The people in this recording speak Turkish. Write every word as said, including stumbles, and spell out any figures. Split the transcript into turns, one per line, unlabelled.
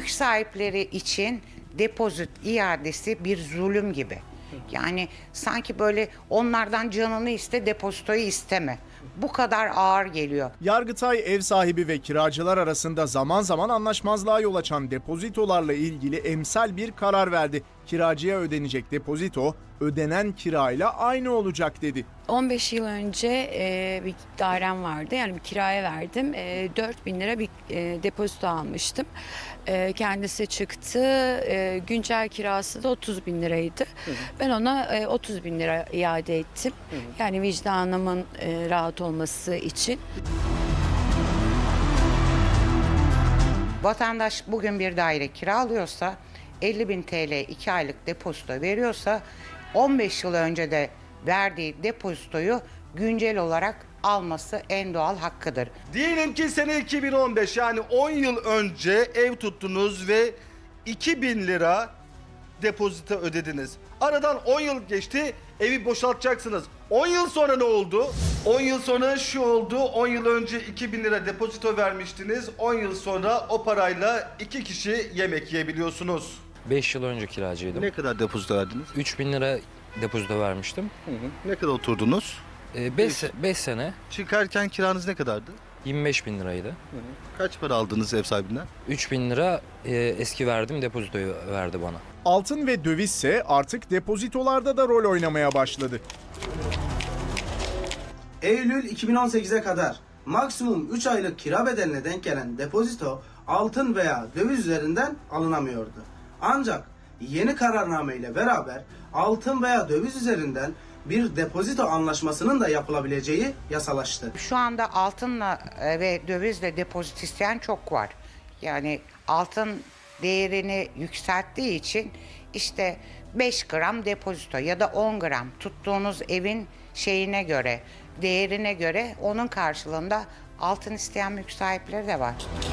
mülk sahipleri için depozit iadesi bir zulüm gibi. Yani sanki böyle onlardan canını iste, depozitoyu isteme. Bu kadar ağır geliyor.
Yargıtay ev sahibi ve kiracılar arasında zaman zaman anlaşmazlığa yol açan depozitolarla ilgili emsal bir karar verdi. Kiracıya ödenecek depozito ödenen kirayla aynı olacak dedi.
on beş yıl önce e, bir dairem vardı. Yani bir kiraya verdim. E, dört bin lira bir e, depozito almıştım. E, kendisi çıktı. E, güncel kirası da otuz bin liraydı. Hı hı. Ben ona e, otuz bin lira iade ettim. Hı hı. Yani vicdanımın e, rahat olması için.
Vatandaş bugün bir daire kiralıyorsa, elli bin T L iki aylık depozito veriyorsa, on beş yıl önce de verdiği depozitoyu güncel olarak alması en doğal hakkıdır.
Diyelim ki sene iki bin on beş, yani on yıl önce ev tuttunuz ve iki bin lira depozito ödediniz. Aradan on yıl geçti, evi boşaltacaksınız. on yıl sonra ne oldu? on yıl sonra şu oldu. on yıl önce iki bin lira depozito vermiştiniz. on yıl sonra o parayla iki kişi yemek yiyebiliyorsunuz.
beş yıl önce kiracıydım.
Ne kadar depozito verdiniz?
üç bin lira depozito vermiştim.
Hı hı. Ne kadar oturdunuz?
beş sene
Çıkarken kiranız ne kadardı?
yirmi beş bin liraydı.
Hı hı. Kaç para aldınız ev sahibinden?
üç bin lira e, eski verdim depozitoyu verdi bana.
Altın ve dövizse artık depozitolarda da rol oynamaya başladı.
Eylül iki bin on sekize kadar maksimum üç aylık kira bedeline denk gelen depozito altın veya döviz üzerinden alınamıyordu. Ancak yeni kararname ile beraber altın veya döviz üzerinden bir depozito anlaşmasının da yapılabileceği yasalaştı.
Şu anda altınla e, ve dövizle depozit isteyen çok var. Yani altın değerini yükselttiği için işte beş gram depozito ya da on gram tuttuğunuz evin şeyine göre, değerine göre onun karşılığında altın isteyen mülk sahipleri de var.